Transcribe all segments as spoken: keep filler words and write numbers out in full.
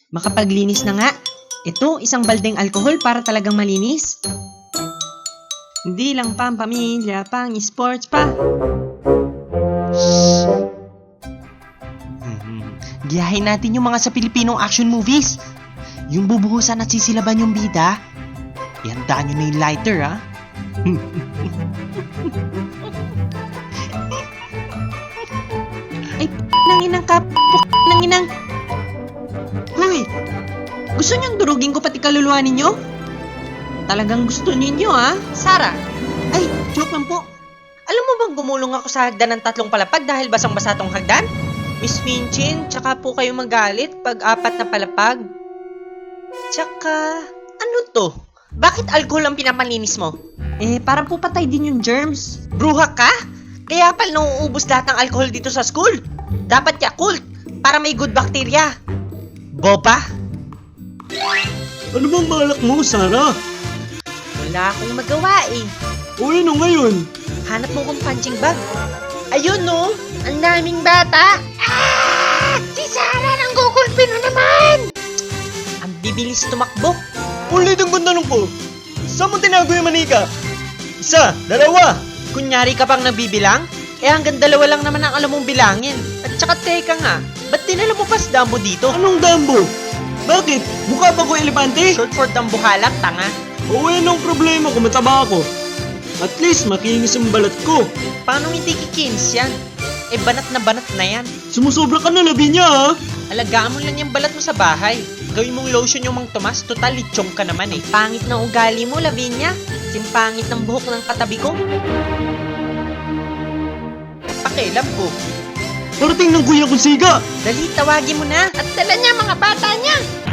Makapaglinis na nga. Ito, isang baldeng alkohol para talagang malinis. Hindi lang pang pamilya, pang sports pa. Hmm. Giyahin natin yung mga sa Pilipinong action movies. Yung bubuhusan at sisilaban yung bida. Ihandaan nyo na yung lighter, ha? Ay, p*** nang inang ka, p*** nang inang. Hoy, gusto niyong durugin ko pati kaluluwa ninyo? Talagang gusto ninyo, ha? Sarah? Ay, joke lang po. Alam mo bang gumulong ako sa hagdan ng tatlong palapag dahil basang-basa tong hagdan? Miss Minchin, tsaka po kayo magalit pag apat na palapag. Tsaka, ano to? Bakit alcohol ang pinapalinis mo? Eh, para po patay din yung germs. Bruha ka? Kaya pala nauubos lahat ng alcohol dito sa school. Dapat Yakult, para may good bacteria. Boba? Ano bang balak mo, Sarah? Wala akong magawa eh. O ano ngayon? Hanap mo kong punching bag. Ayun no, ang daming bata. Ah! Si Sarah nang gugulpi na naman! Ang bibilis tumakbo. Ulit ang ganda ko. Saan mo tinago yung manika? Isa, dalawa. Kunyari ka pang nabibilang? Eh hanggang dalawa lang naman ang alam mong bilangin. At saka teka nga, ba't dinala mo pa si Dumbo dito? Anong Dumbo? Bakit? Mukha ba ko elepante? Short for dambuhalak, tanga. O anong problema kung mataba ako? At least makinis ang balat ko. Paano hindi kikins yan? Eh banat na banat na yan. Sumusobra ka na, Lavinia, ha? Alagaan mo lang yung balat mo sa bahay. Gawin mong lotion yung Mang Tomas, total litsong ka naman eh. Pangit ng ugali mo, Lavinia. Simpangit ng buhok ng katabi ko. Pakialam ko. Parating ng kuya kong siga. Dali, tawagin mo na. At dala niya mga bata niya.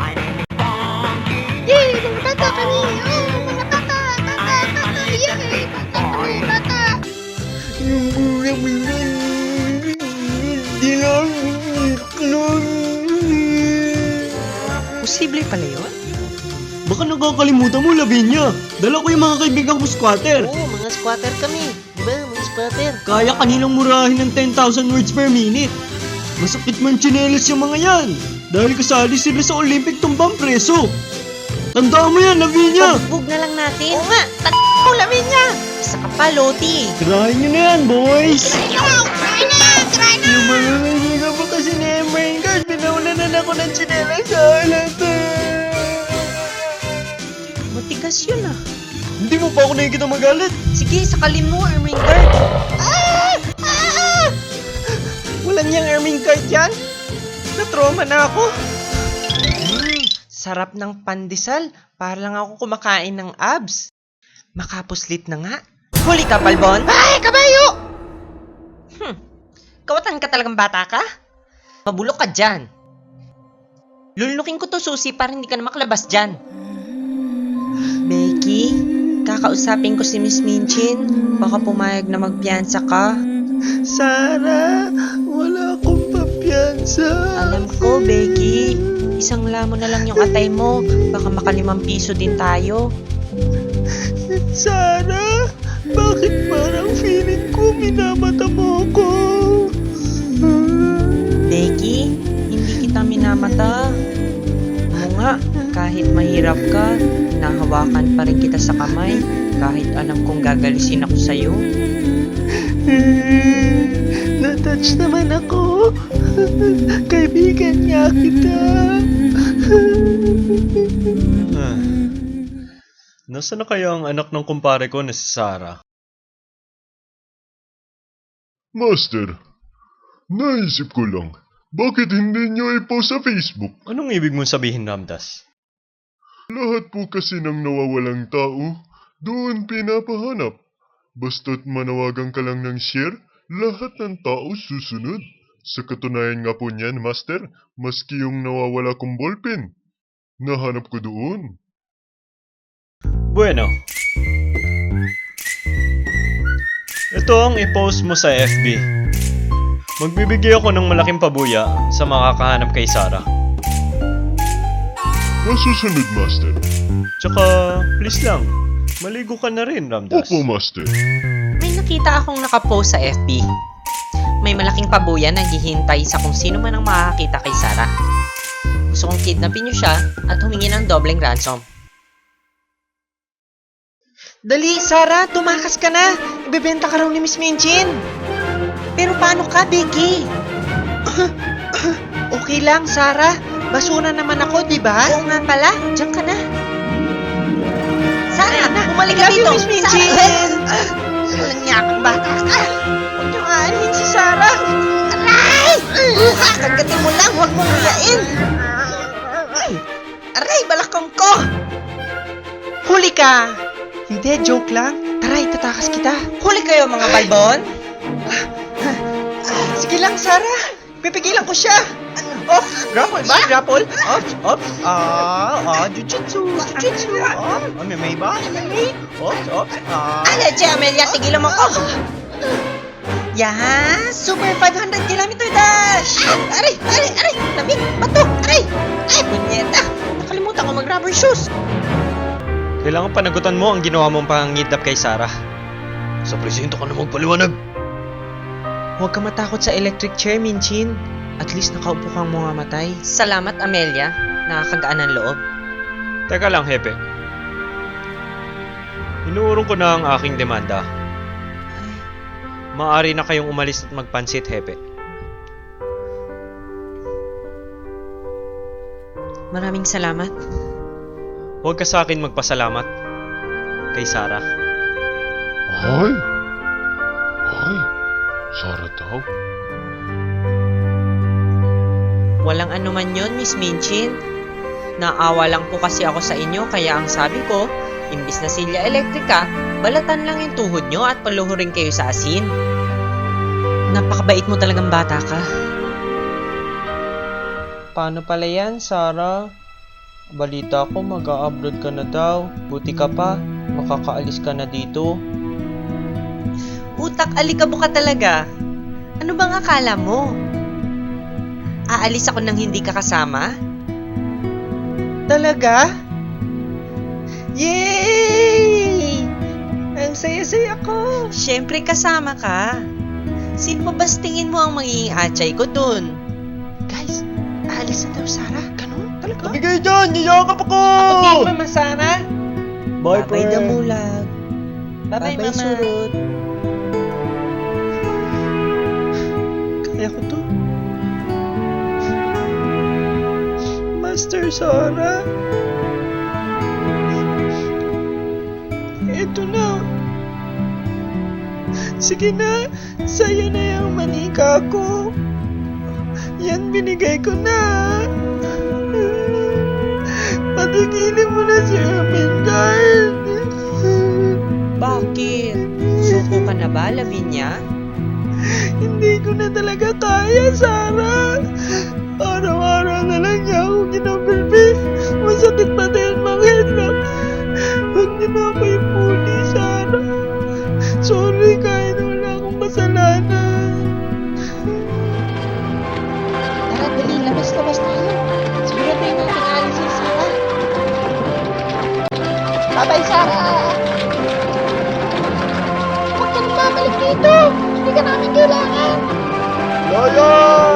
Yay! Mga bata kami! Oh, mga bata! Bata! Bata! Yay! Bata kami! Bata! Yung kuya mo yun. Hindi lang. Posible pala yun? Baka nakakalimutan mo, Lavinia. Dala ko yung mga kaibigan ko squatter. Oo, mga squatter kami. Diba, mga squatter? Kaya kanilang murahin ng ten thousand words per minute. Masakit man tsinelas yung mga yan. Dahil kasali sila sa Olympic tumbang preso. Tandaan mo yan, Lavinia. Pagbog na lang natin. Oo nga, t***** mo, Lavinia. Isa ka pa, Loti. Try nyo na yan, boys. Try na! Try na! Try na! Yung mga kaibigan mo kasi ni Emrain Guard, pinaunanan ako ng tsinelas sa halata. Matigas yun ah. Hindi mo pa ako nakikita magalit. Sige, sakalin mo, Erming Guard. Ah! Ah! Wala niyang Erming Guard yan. Na-trauma na ako. Mm, sarap ng pandesal. Para lang ako kumakain ng abs. Makapuslit na nga. Huli ka, Palbon. Ay, kabayo! Hmm, kawatan ka talagang bata ka? Mabulok ka dyan. Lulunukin ko to, Susi, para hindi ka na makalabas dyan. Becky, kakausapin ko si Miss Minchin. Baka pumayag na magpiyansa ka. Sarah, wala akong papiyansa. Alam ko, Becky. Isang lamon na lang yung atay mo. Baka makalimang piso din tayo. Sarah, bakit parang feeling ko minamata mo ko? Becky, hindi kita minamata. Oo nga, kahit mahirap ka, nahawakan pa rin kita sa kamay. Kahit alam kong gagalisin ako sa'yo. Na-touch naman ako. Kaibigan niya kita. ah. Nasaan na kaya ang anak ng kumpare ko na si Sarah? Master, naisip ko lang, bakit hindi nyo i-post sa Facebook? Anong ibig mong sabihin, Ramdas? Lahat po kasi ng nawawalang tao, doon pinapahanap. Basta't manawagan ka lang ng share, lahat ng tao susunod. Sa katunayan nga po niyan, Master, maski yung nawawala kong ballpen, nahanap ko doon. Bueno. Ito ang i-post mo sa F B. Magbibigay ako ng malaking pabuya sa makakahanap kay Sarah. Masusunod, Master. Tsaka, please lang, maligo ka na rin, Ramdas. Opo, Master. May nakita akong nakapost sa F B. May malaking pabuya na naghihintay sa kung sino man ang makakakita kay Sarah. Gusto kong kidnapin niyo siya at humingi ng dobleng ransom. Dali, Sarah, tumakas ka na. Ibebenta ka raw ni Miss Minchin. Pero paano ka, Becky? Okay lang, Sarah. Basura naman ako, di ba? Oo nga pala, diyan ka na. Sarah, bumalik I ka love you, dito. Miss Minchin. Sarah, walang niya akong bata ka. Huwag niyo aanin si Sarah. Aray! Kakagatin mo lang, huwag mong hiyain. Aray, balakang ko! Huli ka! Hindi, joke lang. Tara, itatakas kita. Huli kayo, mga balbon. Sige lang, Sarah. Pipigilan ko siya. Oh, grapple ba? Grapple? Ops, ops. Ah, ah, jujutsu, jujutsu. Ah, may may ba? May may. Ops, ops. Ah. Ano, Che Amelia, tigilan mo ko. Yaha, super five hundred kilometer dash! Ah, aray, aray, aray, lamig, bato, aray! Ay, punyeta, nakalimutan ko mag-rubber shoes. Kailangan panagutan mo ang ginawa mong pangangidnap kay Sarah. Sa presinto ka na magpaliwanag. Huwag ka matakot sa electric chair, Minchin. At least nakaupo kang mamamatay. Salamat, Amelia, nakakagaan ng loob. Teka lang, Hepe. Inuurong ko na ang aking demanda. Maaari na kayong umalis at magpansit, Hepe. Maraming salamat. Huwag ka sa akin magpasalamat. Kay Sarah. Ay! Ay! Sarah daw? Walang anuman yon, Miss Minchin. Naawa lang po kasi ako sa inyo, kaya ang sabi ko, imbis na silya elektrika, balatan lang yung tuhod nyo at paluhurin kayo sa asin. Napakabait mo talagang bata ka. Paano pala yan, Sarah? Balita ko mag-a-abroad ka na daw. Buti ka pa, makakaalis ka na dito. Utak, alikabo ka talaga. Ano bang akala mo? Aalis ako nang hindi ka kasama? Talaga? Yay! Ang saya-saya ko. Siyempre kasama ka. Sino ba bas tingin mo ang magiging atsay ko dun? Guys, aalis na daw, Sarah. Ganun? Talaga? Tabigay dyan! Niyakap ako! Kapag Mama Sarah. Bye, Babay friend. damulag. Bye-bye, Babay Mama. surut. Kaya ko to. Master Sarah. Ito na. Sige na, sa'yo na yung manika ko. Yan binigay ko na. Patigilin mo na si Ermengarde. Bakit? Suko ka na ba, Lavinia? Hindi ko na talaga kaya, Sarah. Araw-araw na lang niya ako ginambilbi. Masakit pati ang mga headlock. Huwag niyo na ako ipuli, Sarah. Sorry kahit wala akong kasalanan. Tara, dali. Labas-labas tayo. Siguraduhin natin alis si Sarah. Bye-bye, Sarah. Huwag ka na babalik dito. Hindi ka namin kailangan. Loyo!